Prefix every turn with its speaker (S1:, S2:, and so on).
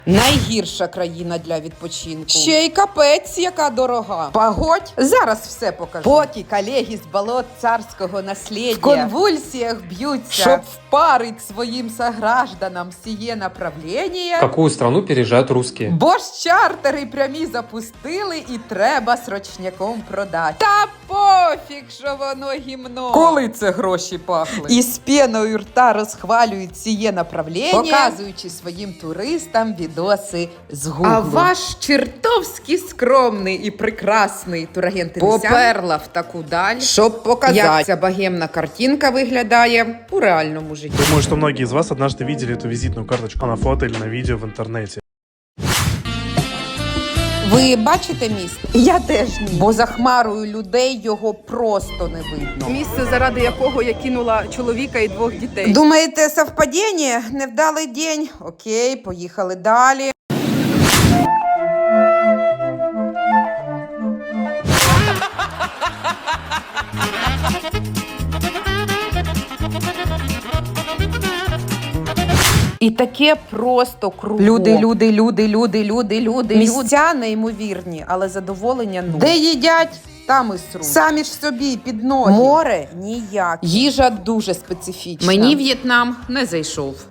S1: Найгірша країна для відпочинку. Ще й капець, яка дорога. Погодь, зараз все покажу. Поки колеги з болот царського наслідя в конвульсіях б'ються, щоб впарить своїм согражданам сіє направлення.
S2: Какую страну переезжают русские?
S1: Бо ж чартери прямі запустили і треба срочняком продати. Та пофіг, що воно гімно. Коли це гроші пахли? І з пеною рта розхвалюють сіє направлення, показуючи своїм туристам відоси з Гуглу. А ваш чертовськи скромний і прекрасний турагент поперла в таку даль, щоб показати, як ця богемна картинка виглядає у реальному житті.
S3: Думаю, что многие из вас однажды видели эту визитную карточку на фото или на видео в интернете.
S1: Ви бачите міст? Я теж ні. Бо за хмарою людей його просто не видно.
S4: Місце, заради якого я кинула чоловіка і 2 дітей.
S1: Думаєте, совпадіння? Невдалий день? Окей, поїхали далі. І таке просто кругом. Люди. Місця неймовірні, але задоволення нуль. Де їдять, там і сруть. Самі ж собі під ноги. Море ніяк. Їжа дуже специфічна. Мені В'єтнам не зайшов.